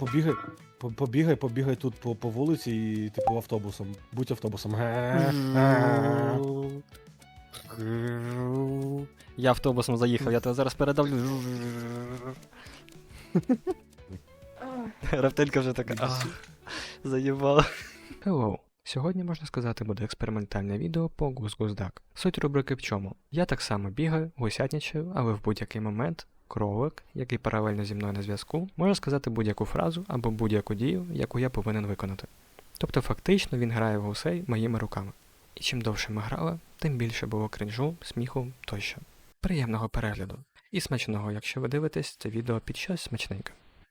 Побігай тут по вулиці і типу автобусом. Будь автобусом. Я автобусом заїхав, я тебе зараз передавлю. Рептилька вже така. Заїбала. Hello. Сьогодні, можна сказати, буде експериментальне відео по гус-гус-дак. Суть рубрики в чому? Я так само бігаю, гусятничаю, але в будь-який момент кролик, який паралельно зі мною на зв'язку, може сказати будь-яку фразу або будь-яку дію, яку я повинен виконати. Тобто фактично він грає в гусей моїми руками. І чим довше ми грали, тим більше було кринжу, сміху тощо. Приємного перегляду. І смачного, якщо ви дивитесь це відео під щось смачненьке.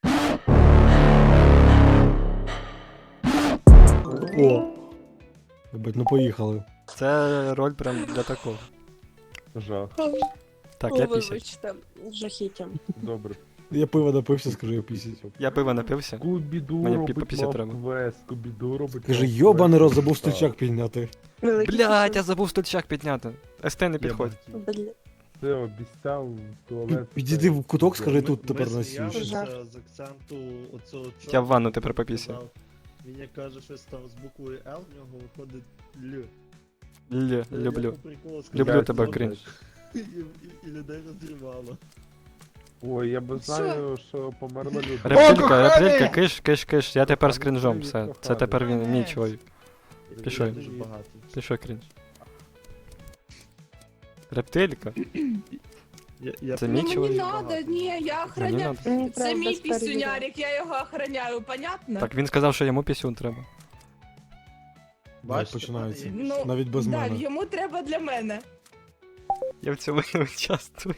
О! Ебать, ну поїхали. Це роль прям для такого. Жах. Так, я пісять. Вибачте, жахіття. Добре. Я пиво напився, скажи, я пісять. Я пиво напився. Скубіду Мені робить піпі треба. квест, Скубіду робить Кажи, мав йобаний рот, квест. забув Так. стульчак підняти. Великий Блять, я кусок. забув стульчак підняти. СТ не підходь. Бля. Це обіцяв в туалет. Підійди в куток, скажи, тут тепер Ми насіш. сміялися з акценту оцього чувака. Я в ванну тепер попісю. Казав, він як каже щось там з буквою Л, в нього виходить Л. Люблю. Я по приколу сказав, Люблю тебе, «Добре». крінж. І людей розірвало. Ой, я би знаю, що померла людина. Рептилька, киш, я тепер з крінжом, все. Це тепер він мій чоловік. Пішов. Дуже багато. Ти що крінж? Рептилька? Це мій Ну, мені чоловік. надо, ні, я Мені охраняю. надо. Мені Це правда мій старі пісюнярик, я його охраняю, понятно? Так він сказав, що йому пісюн треба. Бачите, починається. пане, Ну, Навіть без да, мене. йому треба для мене. Я в цьому не участвую.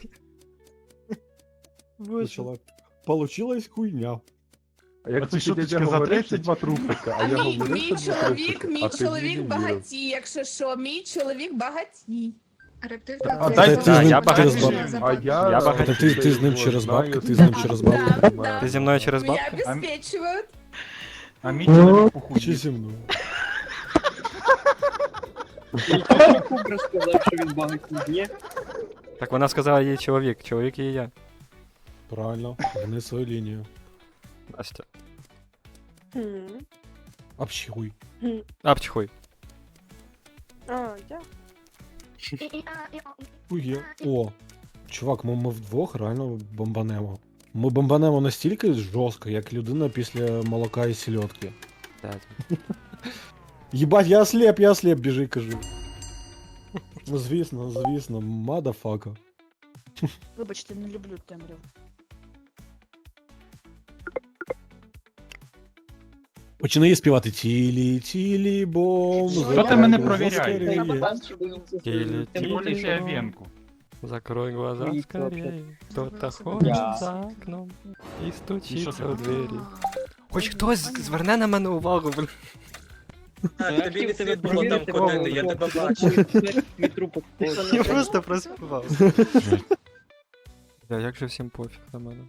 Почала. Получилась хуйня. А як Оці ти шуточки дядя за говорив, 30? це два трупика, а А я мій говорив, це два чоловік, трупика, а ти мені не вірив. багатій, якщо що, мій чоловік багатій. Рептилька. А це дай- за- ти з ним я багатий. через за- А я... Я багатий. Ти з ним через бабки, ти з ним через бабки. Да. Ти зі мною через Меня бабки? обеспечивают. А мій чоловік Чи похудів. зі мною? Кубра сказав, що він багатий. Ні? Так вона сказала їй чоловік і я. Правильно, гни свою лінію. Настя. Хм. Общуй. Апчхуй. А, я? Хує. О, чувак, ми вдвох реально бомбанемо. Ми бомбанемо настільки жорстко, як людина після молока і сільотки. Єбать, я ослеп, біжи, кажи. Ну, звісно, мадафака. Вибачте, не люблю темряву. Починає співати тілі, бом. Що ти мене провіряєш? Тілі, Тим більше, що я венку. Закрой глаза скорее. Кто-то ходит Я. за окном і І що стучиться ти? у двері. Хоч хтось зверне на мене увагу, блін. Тобі не слід було там ходити, я тебе бачу. Я просто проспівав. Бля, як же всім пофіг на мене.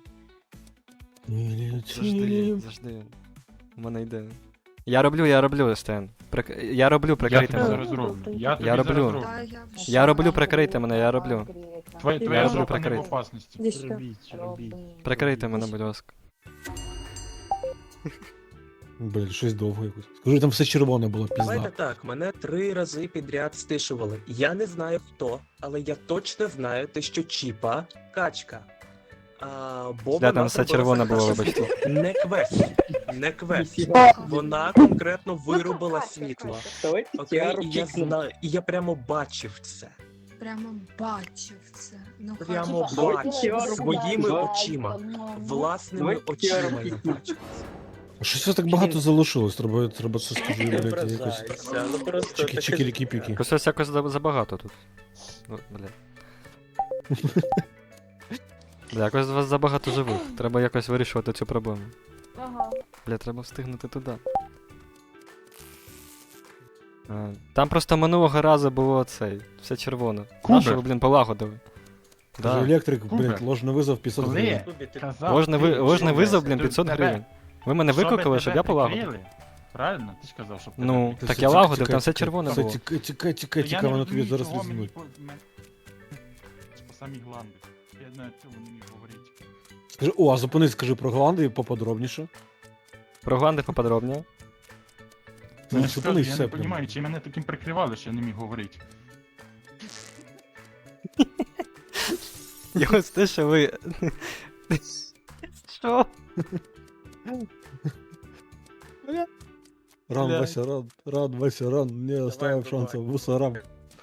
Завжди. У мене йде. Я роблю, Стен. Я роблю, Я прикрийте тобі мене. зараз зроблю. Я тобі Я зараз роблю. зроблю. Да, я вже. Я роблю, прикрийте мене, я роблю. Твоя роблю жопа не в прикрити. опасності. Іди сюди. Робіть. Прикрийте мене, будь ласка. Блін, щось довго якось. Скажи, там все червоне було, Давайте пізда. так, мене 3 рази підряд стишували. Я не знаю хто, але я точно знаю те, що Чіпа качка. Бо Бля, там вона все зробила червоне було, сарказм. вибачте. Не квест. Вона конкретно вирубила світло. Окей, і я прямо бачив це. Прямо бачив це. Ну, Прямо хоч- бачив своїми очима. Власними очима я бачив це. Щось вас так багато залишилось, треба це скажи, Не блядь, якось. ображайся, ну просто таке Чики-чики-ліки-піки. Якось якось забагато тут. Ну, бля. Бля, якось з вас забагато живих. Треба якось вирішувати цю проблему. Ага. Бля, треба встигнути туди. Там просто минулого разу було цей, все червоне. Кубер. Нащо ви, блін, полагодили? Каже, Да. електрик, блядь, Кубер. ложний визов 500 Коли? гривень. Тобі ти- Казав, Ложний визов, блін, щоб 500 тебе- гривень. Ви мене щоб викликали, щоб тебе я полагодив. прикрили. Правильно? Ти ж казав, щоб Ну, тебе так Все, я тікай, лагодив, тікай, там все тікай. червоне Все, було. тікай, прикрили. Я воно не тобі розумію, зараз чого мені візьмуть. по самі гланди. Я на цьому не міг говорити. Скажи, о, а зупинись, скажи про Голландію поподробніше. Про гланди поподробніше. Ну, я Ну, ж що кажу, вони я все не прям. розумію, чи мене таким прикривали, що я не міг говорити. Його стишили. Що? Ран, Бля. Вася, ран, Вася, ран, не оставив шансів мусорам.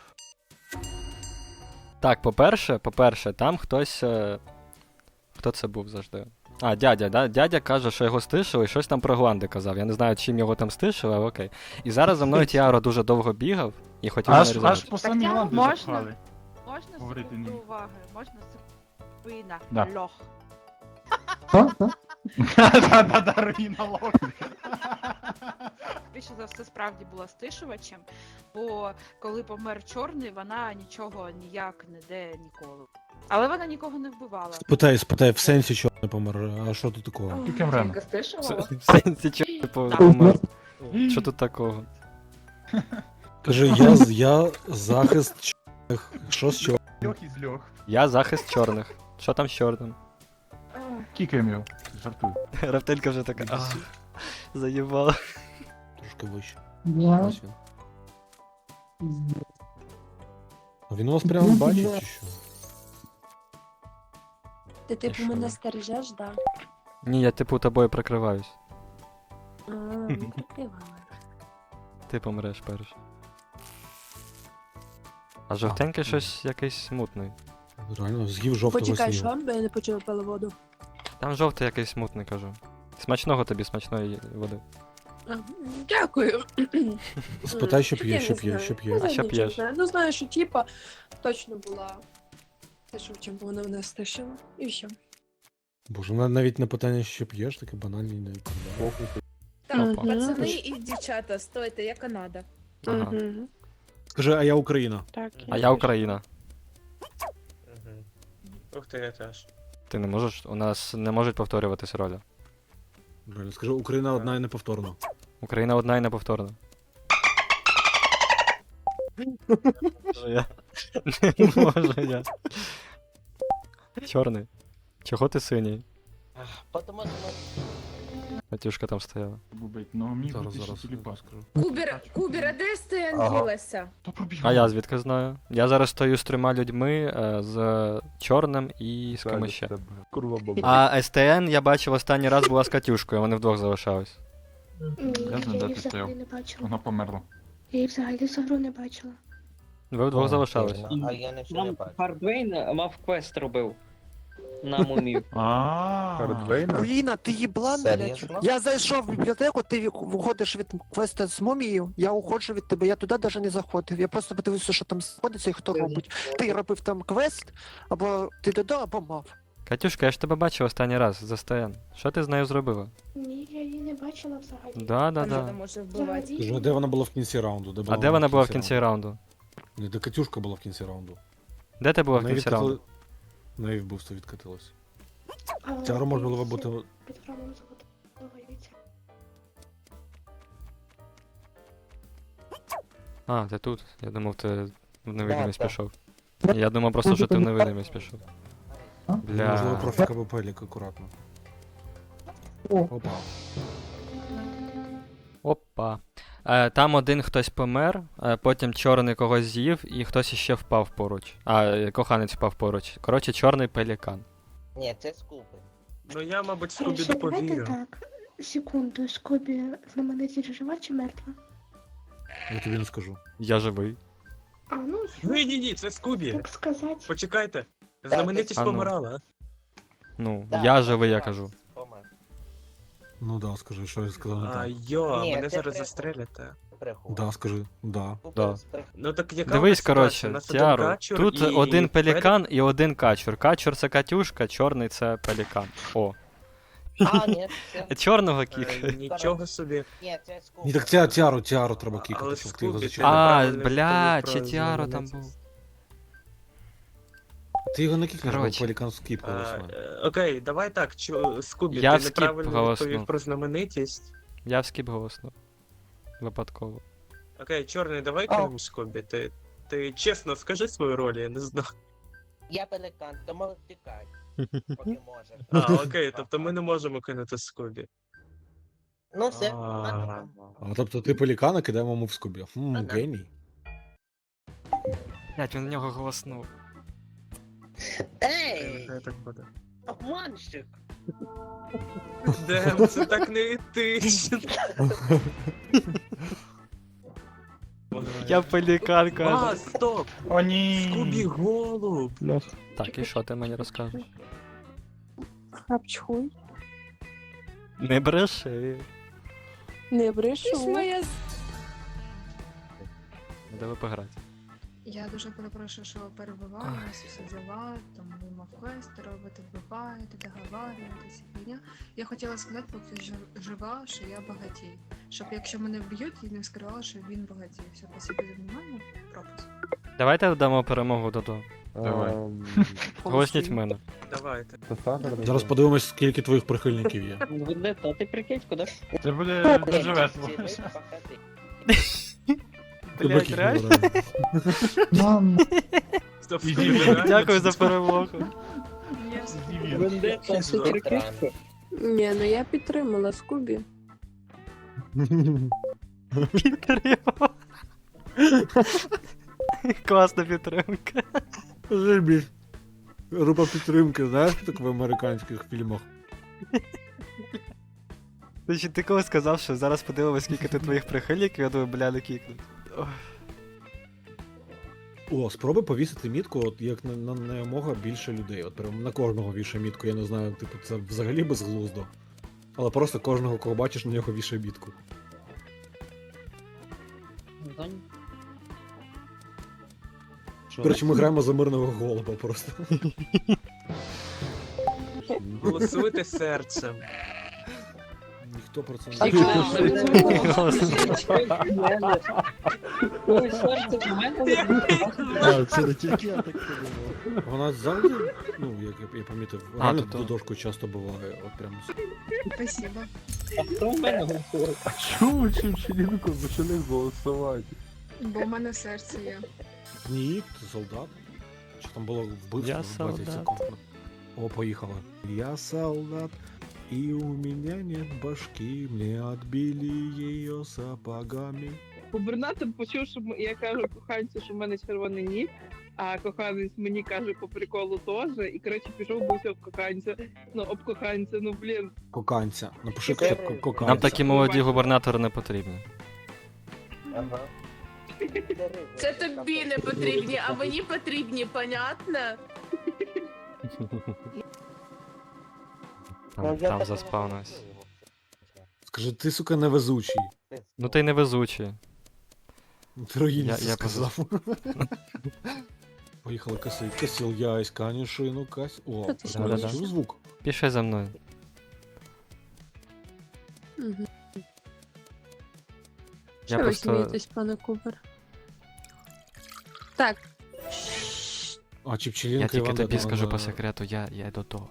Так, по-перше, там хтось. Хто це був завжди? А, дядя, да? Дядя каже, що його стишили, і щось там про гланди казав. Я не знаю, чим його там стишили, але окей. І зараз за мною Тіаро дуже довго бігав і хотів мене Аж різати. по самі Так, гланди можна? запхали. Можна Говорити секунду ні. уваги? Можна спина, Да. лох. Да-да-да, руїна лох. Більше за все справді була стишувачем, бо коли помер чорний, вона нічого ніяк не де ніколи. Але вона нікого не вбивала. Спитай, в сенсі чого не помер, а що тут такого? Тільки Мрена. В сенсі чого типу помер. Що тут такого? Кажи, я захист чорних. Що з чого? Льох із льох. Я захист чорних. Що там з чорним? Кікаємо його. Жартую. Рафтелька вже така. «Ах, заїбала. Трошки вище. Ось він. А він вас прямо бачить чи що? Ти типу що? мене стережеш, да? Ні, я типу тобою прикриваюсь. Не прикривала. Ти помреш перш. А жовтенький щось якийсь смутний. Реально, з'їв жовтого Почекай, снігу. що? Бо я не почула пила воду. Там жовтий якийсь смутний, кажу. Смачного тобі, смачної води. Дякую. Спитай, що п'є, Я що не п'є, знаю. що п'є. Я А що нічого п'єш? не знаю. Ну знаю, що типа точно була. Те, що чим вона мене стишила. І все. Боже, навіть на питання, що п'єш, таке банальне не відповідає. Так, Опа. пацани і дівчата, стойте, я Канада. Ага. Мгм. Скажи, а я Україна. Так. А я Україна. Мгм. Ух ти, я теж. Ти не можеш. У нас не можуть повторюватись ролі. Реально, скажи, Україна одна і неповторна. Україна одна і неповторна. Я. Не можу я. Чорний. Чого ти синій? Потому що Матюшка там стояла. Бубить, ну міг Зараз, бути зараз, ще я тюльпан. скажу. Кубер, а де Стоян ділася? То пробіг. А я звідки знаю? Я зараз стою з 3 людьми, з чорним і з кимось ще. Курва баба. А СТН я бачив останній раз була з Катюшкою, вони вдвох залишались. Я знаю, де ти стояв. не бачила. Вона померла. Я її взагалі за гру не бачила. Ви вдвох залишались. А я не Нам Хардвейн мав квест робив. На мумію. Хардвейна? Руїна, ти їблан, блядь. Серйозно? Я зайшов в бібліотеку, ти виходиш від квеста з мумією, я уходжу від тебе, я туди навіть не заходив. Я просто подивився, що там знаходиться і хто робить. Ти робив там квест, або ти додав, або мав. Катюшка, я ж тебе бачив останній раз з СТН. Що ти з нею зробила? Ні, я її не бачила взагалі. Да. Канада може вбивати. Скажи, а де вона була в кінці раунду? А де вона була в кінці раунду? Не, де Катюшка була в кінці раунду. Де ти була в Неї кінці відкатили- раунду? Неї вбивство відкатилось. Але Тяро можна було дивіться, бути. Під храмом заготовується. А, ти тут. Я думав, ти в невидимість пішов. Я думав просто, що ти в невидимість пішов. Можливо, Бля. профіка Пелік, акуратно. Опа. Опа. Там один хтось помер, потім чорний когось з'їв і хтось іще впав поруч. Коханець впав поруч. Коротше, чорний пелікан. Ні, це скупи. Ну я, мабуть, Скубі Ще давайте доповірю. так. Секунду, Скобі знаменитість жива чи мертва? Я тобі не скажу. Я живий. А, ну, Ні, це Скубі. так сказати. Почекайте. Знаменитість А ну. помирала. Ну, я живий, я кажу. Ну да, скажи, що я сказав не А так. мене зараз застрелять. Да, скажи, да. Да. Ну так яка Дивись, у нас ситуація? У коротше, нас один Тіаро, качур тут і один Пелік. пелікан і один качур. Качур це Катюшка, чорний це пелікан. О. А, ні, Чорного кіка. Нічого собі. Ні, так Тіару треба кікати, Але щоб ти його Скубі, зачепив. А, неправильно бля, відповів чи про Тіаро там знаменитість. був. Ти його не кікнеш, бо Коротше. Пелікан скіп голосує. Окей, давай так, Скубі, Я ти в скіп неправильно голосну. відповів про знаменитість. Я в скіп голосно. Випадково. Окей, чорний, давай кинемо Скубі. Ти чесно скажи свою роль, я не знаю. Я пеликан, тому втікай, поки може. А, окей, тобто ми не можемо кинути Скубі. Ну все. А, А тобто ти пелікана кидаємо йому в скобі. Геній. Блять, він на нього голоснув. Ей, Нехай так буде. обманщик. Дем, це так не етично. Я пелікан, А, каже. стоп! О, ні. Скубі голуб! Так, і що ти мені розкажеш? Хапчхуй. Не бреши. Не брешу. Де ви пограти? Я дуже перепрошую, що перебиваю вас, все діла, там ви мав квести робити, вбиваєте, договарюєте, ця фігня. Я хотіла сказати, поки жива, що я багатій. Щоб якщо мене вб'ють, я не скривала, що він багатій. Все, спасибо за внимання, пропуск. Давайте дамо перемогу Додо. Давай. Голосніть мене. Давайте. Зараз подивимось, скільки твоїх прихильників є. Буде то, ти прикинь, куди? Це буде дуже весело. Ти Блядь, биків реально? набираєш. Стоп, Ідіть, Скубі, ви реально Дякую за чи- перемогу. Вендетта, супер кишка. Ні, ну я підтримала Скубі. Підтримав. Класна підтримка. Зробіть. Група підтримки, знаєш, так в американських фільмах. Значить, ти коли сказав, що зараз подивимось, скільки ти твоїх прихильників, я думаю, бля, не кікнуть. О, спробуй повісити мітку, от як на якомога більше людей. От прям на кожного вішає мітку, я не знаю, типу, це взагалі безглуздо. Але просто кожного, кого бачиш, на нього вішає мітку. Коротше, ми граємо за мирного голуба просто. Голосуйте серцем. Ніхто про це Всі не Ой, серце в мене. Це не тільки я так подумав. Вона завжди, ну, як я помітив, А, реально то-то. додошку часто буває, от прям. Спасибо. А хто в мене голосує? А чому Чимчилінко почали голосувати? Бо в мене серце є. Ні, ти солдат. Чи там було вбивство Я в 20 солдат. секунд? О, поїхала. Я солдат, и у меня нет башки, мне отбили ее сапогами. Губернатор почув, що я кажу коханцю, що в мене червоний ніс, а коханець мені каже по приколу теж, і коротше пішов бився об коханця. Ну, об коханця, ну блін. Коканця. Напиши хоча б коканця. Нам такі молоді губернатори не потрібні. Ага. Це тобі не потрібні, а мені потрібні, понятно? Там заспавнився. Скажи, ти, сука, невезучий. Ну ти невезучий. Ти руїнці Я сказав. Поїхали косить. Косил ясь, канішину, кась. О, Да-да-да. чув звук? Пішли за мною. Я Що ви просто. смієтесь, пане Кубер? Так. А, Чіпчелінка Я тільки Іван тобі Дедо, скажу да. по секрету, я до того.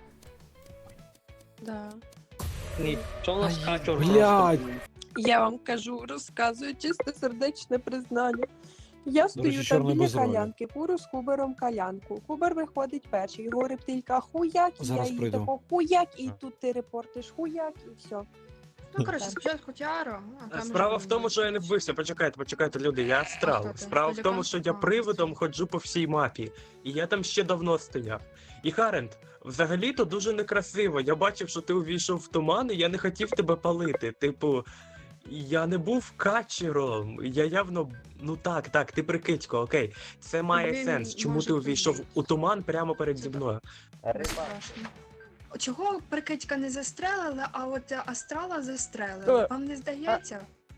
Да. Ні, що у нас качур? Блядь! Я вам кажу, розказую чистосердечне признання. Я стою там чорний біля безролі. калянки, курю з Кубером калянку. Кубер виходить перший, говорить тільки хуяк, і Зараз я їй прийду. тако хуяк, і тут ти репортиш хуяк, і все. Ну, коротше, спочатку Тіаро, а там Справа вже в тому, що я не вбився. Почекайте, люди, я хто астрал. ти? Справа в тому, Пелікан? що я А, привидом ходжу по всій мапі. І я там ще давно стояв. І Харент, взагалі-то дуже некрасиво. Я бачив, що ти увійшов в туман, і я не хотів тебе палити. Типу, я не був качером. Я явно. Ну так, ти прикидько, окей. Це має Він сенс. Чому може ти увійшов бути. у туман прямо перед зі мною? страшно. Чого прикидька не застрелили, а от астрала застрелили? Вам не здається?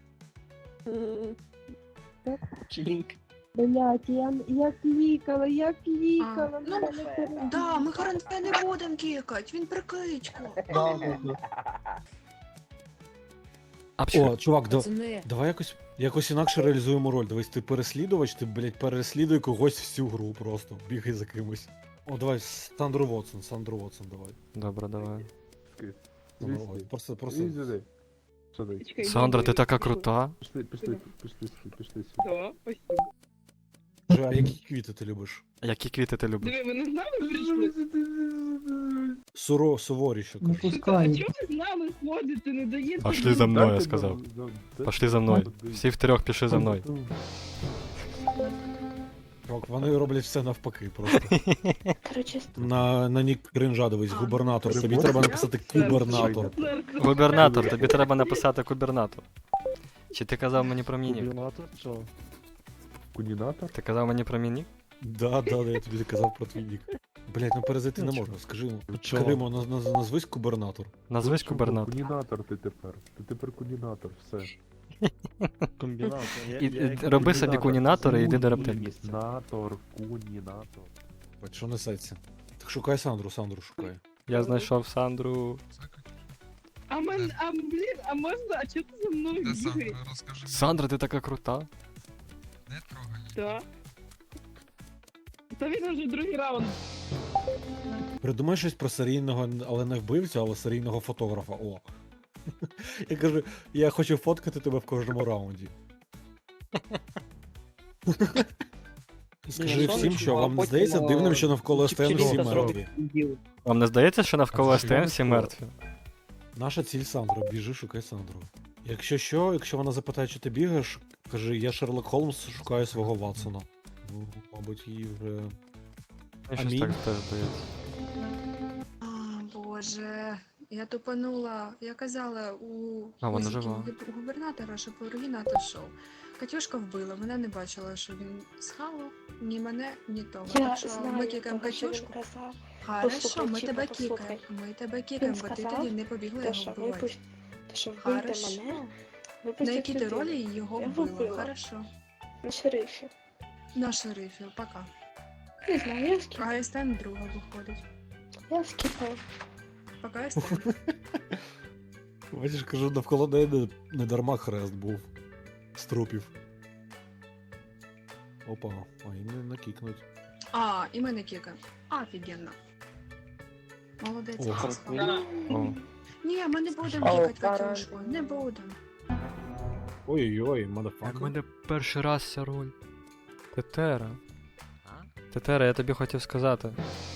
Блять, я клікала, Ну, да, ми Харенка не будемо кікать, він прикидько. О, чувак, Пацани, давай якось інакше реалізуємо роль. Дивись, ти переслідувач, ти, блядь, переслідуй когось всю гру просто. Бігай за кимось. О, давай, Сандру Вотсон, давай. Добре, давай. Ой, просто. Іди сюди. Сюди. Чекай, Сандра, ти я така йду. крута. Пішли сюди. Да, спасибо. Скажи, а які квіти ти любиш? Які квіти ти любиш? Диви, ви не з нами прийшли? Суворіше. Не кажу. А пускай. чого ви з нами ходите, не даєте? Пошли за мною, я Дайте сказав. нам- Пошли за мною. Всі втрьох пішли за мною. Чувак, вони роблять все навпаки просто. Короче, На нік кринжа дивись, А, губернатор. ну, Тобі це треба я? написати кубернатор. Губернатор, тобі треба написати губернатор. Чи ти казав мені про мінік? Кунінатор? Що? Кунінатор? Ти казав мені про мінік? Да, я тобі казав про твій нік. Блять, ну перезайти не можна, скажи йому. Чого? Каримо, назвись губернатор. Назвись Чого? губернатор. Кунінатор ти тепер. Ти тепер кунінатор, все. Комбінатор. Роби собі кунінатора і йди до рептилії. Кунінатор, кунінатор. Бать, що несеться? Так шукай Сандру шукай. Я знайшов Сандру. А блін, а можна, а чого ти за мною бігаєш? Сандра, ти така крута. Так. Та він вже другий раунд. Придумай щось про серійного, але не вбивцю, але серійного фотографа. О. Я кажу, я хочу фоткати тебе в кожному раунді. Скажи всім, що вам не здається дивним, що навколо СТН всі мертві. Вам не здається, що навколо СТМ всі мертві? Наша ціль Сандра, біжи, шукай Сандру. Якщо вона запитає, чи ти бігаєш, кажи, я Шерлок Холмс, шукаю свого Ватсона. Ну, мабуть, її вже. Я щось Амінь. так теж здається. А, Боже, я тупанула. Я казала у А, вона фізики жива. губернатора, щоб оригінатор йшов. Катюшка вбила, мене не бачила, що він схавав ні мене, ні того. Я Так що знаю, ми кікаємо того, що він Катюшку. казав. Хорошо, Послухай, ми Чіпа, тебе послухай. кікаємо. Ми тебе кікаємо, бо ти сказав, тоді не побігла Те, його що вбивати. випустити, що вбити Хорошо. мене, На випустити якій ти людину. ролі його Я вбила? вбила. Хорошо. На шерифі. На шерифі, пока. Не знаю, я скіпаю. А СТН друга виходить. Я скіпаю. Пока СТН. Бачиш, кажу, навколо неї не дарма хрест був. З трупів. Опа, а і не накікнуть. А, і мене кікаємо. Офігенно. Молодець. О, Оксана. О. Ні, ми не будемо О, кікати Катюшку. Не будемо. Ой-ой-ой, У мадафака. мене перший раз ця роль. Тетера. Тетера, я тобі хотів сказати.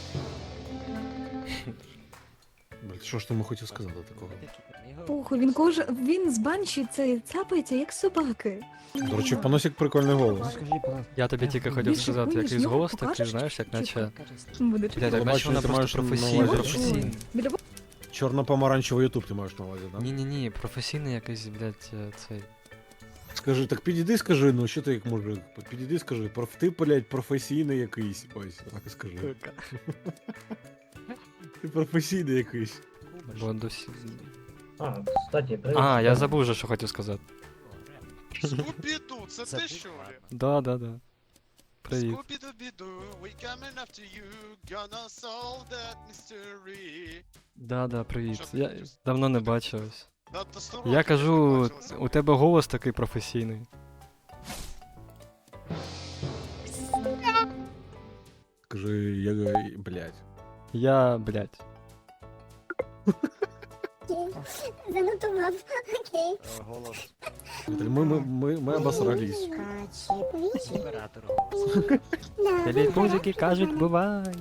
Блять, що ж ти йому хотів сказати такого? Похуй, він з банші це цапається, як собаки. До речі, в Паносік прикольний голос. Я тобі тільки хотів Більше сказати, хуйні, якийсь з нього голос такий, покажеш, знаєш, як чи наче. Буде Бля, так Бачу, наче вона ти просто маєш на професійна. увазі Професійна. Біля Чорно-помаранчевий ютуб ти маєш на увазі, так? Ні-ні-ні, професійний якийсь, блядь, цей. Скажи, так підійди, скажи, ну що ти як мужик? Підійди, скажи, ти, блядь, професійний якийсь. Ось, так і скажи. Ти професійний якийсь. Бо до всі... А, кстати, А, я забув вже, що хотів сказати. Скупіду, це ти що ли? Да. Привіт. Скупіду-біду, we coming after you, gonna solve that mystery. Да, привіт. Що ти Я хотів? давно не бачились. Да, то 100 Я років не кажу, бачилися. у тебе голос такий професійний. Скажи, я, блядь. Я, блядь. Занотував, окей. Голос. Ми обосрались. Білі музики кажуть, бувай.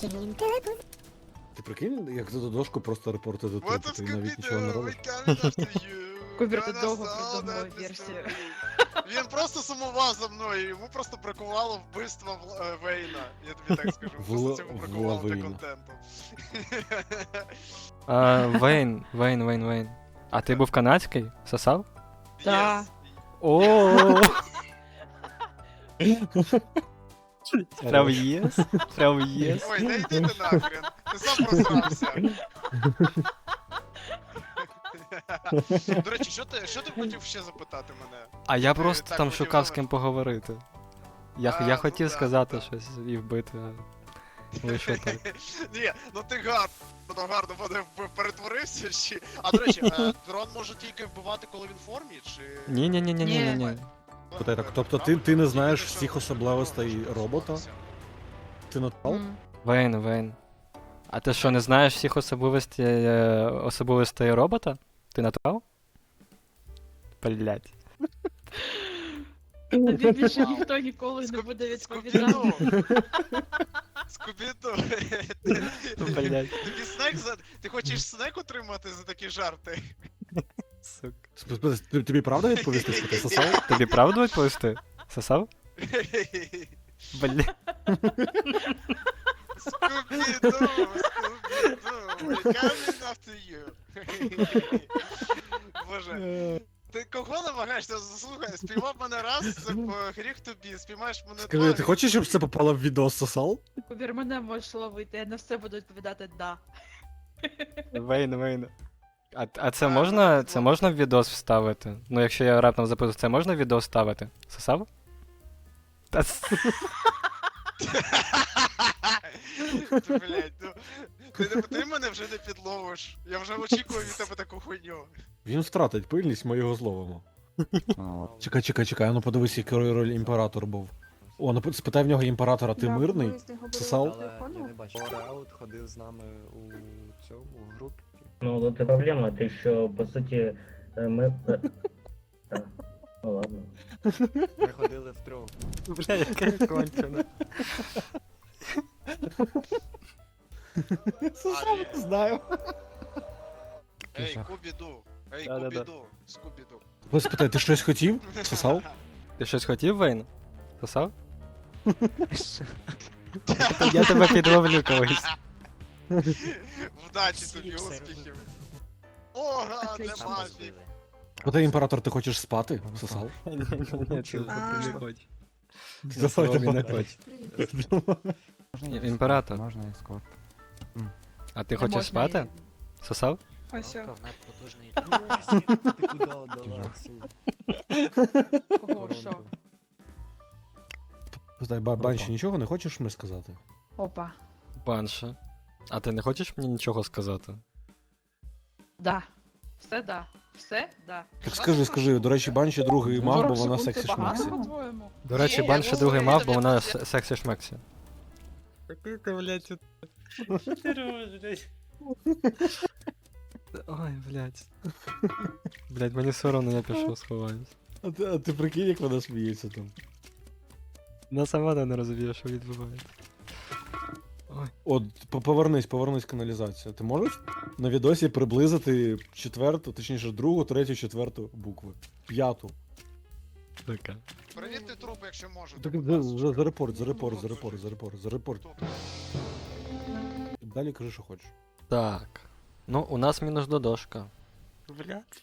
Ти прикинь, як за дошку просто репортити What трупи, up, ти навіть нічого не Скупіду, робиш. we coming after you, Кубер gonna тут довго solve придумав that версію. mystery. Він просто сумував за мною, йому просто бракувало вбивства Вейна, я тобі так скажу. Просто цього бракувало для Вейна. контенту. Вейн. А ти був канадський? Сосав? Да. Yes. О. Прям єс? Прям єс? Ой, не йди ти нахрен, ти сам просрався. До речі, що ти хотів ще запитати мене? А я Ти просто так там хотів шукав з номер? ким поговорити. Я Ну хотів да, сказати да. щось і вбити, а вийшло так. Ні, ну ти гарно перетворився чи. А до речі, дрон може тільки вбивати, коли він в формі, чи. Ні. Питай так, тобто ти не знаєш всіх особливостей робота? Ти натал? Вейн. А ти що, не знаєш всіх особливостей робота? Ти натурал? Блять. Тобі більше ніхто ніколи не буде відповідати. Скубіду, Скубіду. Блядь. Тобі снек за... Ти хочеш снек отримати за такі жарти? Сука. Тобі правда відповісти, що ти сосав? Тобі правду відповісти? Сосав? Бля. Скубіду, we're coming after you. Боже. Ти кого намагаєшся? Слухай, спіймав мене раз, це гріх тобі, спіймаєш мене Скажи, два. ти хочеш, щоб це попало в відео сосал? Повір, мене можеш ловити, я на все буду відповідати да. Вейн. А це можна в відос вставити? Ну, якщо я раптом записую, це можна в відос вставити? Сосав? Та Блять, ну ти мене вже не підловиш. Я вже очікую від тебе таку хуйню. Він втратить пильність, ми його зловимо. Чекай, а ну подивись, який роль імператор був. О, ну спитай в нього імператора, ти мирний? Сосал? Раут ходив з нами у цьому групі. Ну, вот и проблема, ты еще, по сути, мы... Да. Ну ладно. Ми ходили втрьох. Бля, яке кончене. Сосал, не знаю. Ей, Кубіду, ей, Да-да-да. Кубіду, Скубіду. Ось спитай, ти щось хотів? Сосал? Ти щось хотів, Вейн? Сосав? Я тебе підловлю колись. Вдачі тобі, успіхів. Ога, не мафік. Спитай, імператор, ти хочеш спати? Сосал? Ні, це не хоче. Давай. Не хоче. Імператор, Можна ескорт. а ти хочеш спати? Сосав? Ось. Потужний. Ти куди отдала? Ого, що? Спитай, Банші, нічого не хочеш мені сказати? Опа. Банша. А ти не хочеш мені нічого сказати? Да. Все да. Все да. Так скажи, до речі, Банші другий маг, бо вона сексі шмексі. по-твоєму? До речі, Ні, Банша я другий говорю, мав, бо я вона тобі- сексі шмексі. Який ти, блядь, Що ти робиш, блядь? Ой, блядь. Блядь, мені соромно, я пішов сховаюсь. А ти прикинь, як вона сміється там. Вона сама не розуміє, що відбувається. От, повернись каналізацію. Ти можеш на відосі приблизити четверту, точніше другу, третю, четверту букви. П'яту. Така. Перевірте труп, якщо можете. Так, за репорт. Далі кажи, що хочеш. Так. Ну, у нас мінус додошка. Блядь.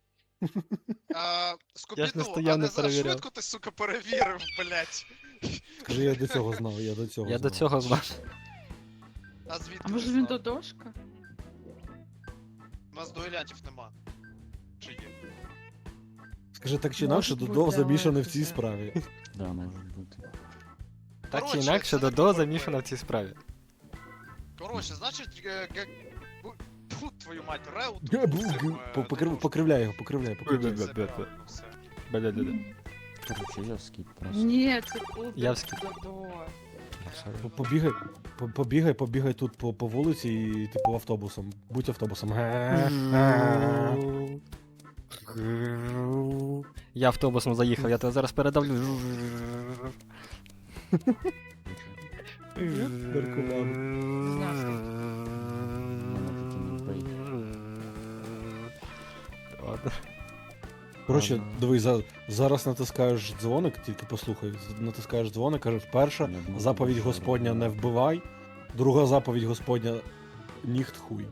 Скубіду, не стояв, а не не за перевіряв. швидко ти, сука, перевірив, блять. Скажи, я до цього знав, Я до цього знав. А звідки А ти може він знав? додошка? У нас дуелянтів нема. Чи є? Скажи, так чи інакше, Може Додо бути, замішаний в але цій це- справі. Да, може бути. Так чи Коротше, інакше, це не Додо проблема. замішана в цій справі. Коротше, значить, Фу, твою мать, Реут. Покривляй його. Бля-бля-бля. Короче, я скіп просто. Ні, це Кубик Явський. Додо. Побігай тут по вулиці і типу автобусом. Будь автобусом. Я автобусом заїхав, я тебе зараз передавлю. Ладно. Коротше, дивись, зараз натискаєш дзвоник, тільки послухай. Натискаєш дзвоник, кажеш, перша заповідь Господня не вбивай, друга заповідь Господня ніхт хуй.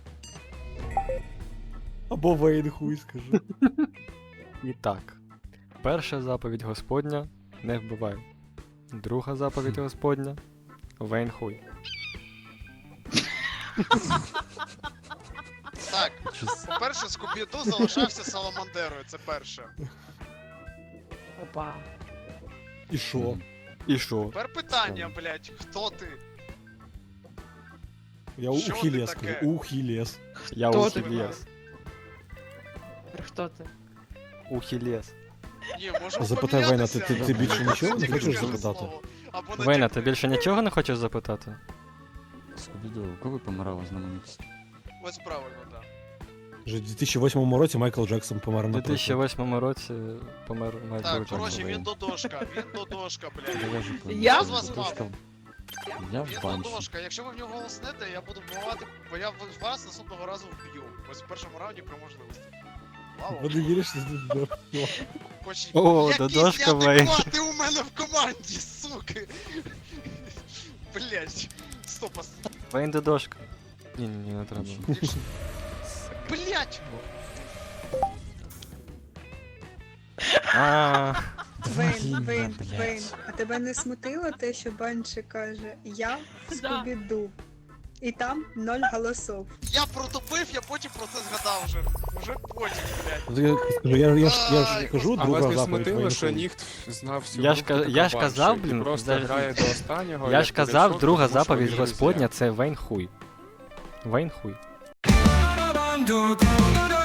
Або Вейн хуй, скажи. І так. Перша заповідь Господня не вбивай. Друга заповідь Господня Вейн хуй. Так, по-перше, Скубіду залишався Саламандерою, це перше. Опа. І що? І що? Тепер питання, блять, хто ти? Я Що Ухілєс ти таке? скажу, Ухілєс. Я Хто ти? Ухілєс. Хто ти? Ухілєс. Ні, можемо Запитай Вейна, помінятися. ти більше нічого не Тільки хочеш скажи запитати? слово. Або не Вейна, тільки. ти більше нічого не хочеш запитати? Скубіду, коли помирала з нами місці? Ось правильно, так. Вже в 2008 році Майкл Джексон помер У на 2008 році помер Майкл Так, Джексон. коротше, він додошка, блядь. Я? Хто з вас мав? Я в Він банші. ладошка, якщо ви в нього голоснете, я буду вбивати, бо я вас наступного разу вб'ю. Ось в першому раунді про можливості. Вау. Ви не віриш, що тут Хоч... О, Якісь Додошка, Вейн. неадеквати у мене в команді, суки! Блять. Стоп, Вейн додошка. Ні, не треба. блять! А, Вейн, а тебе не смутило те, що Банші каже «Я в Скубіду» і там 0 голосов? Я протопив, я потім про це згадав вже. Уже потім, блять. Я ж кажу, А друга вас не заповідь смутило, що Вейнхуй. ніхто знав всю Я ж групу така я ж банша, казав, і блін, просто даже- грає до останнього. я як ж казав, вирішив, друга тому що заповідь вони Господня друзі. це Вейн хуй. Вейн хуй. Бабам-ду-ду-ду-ду.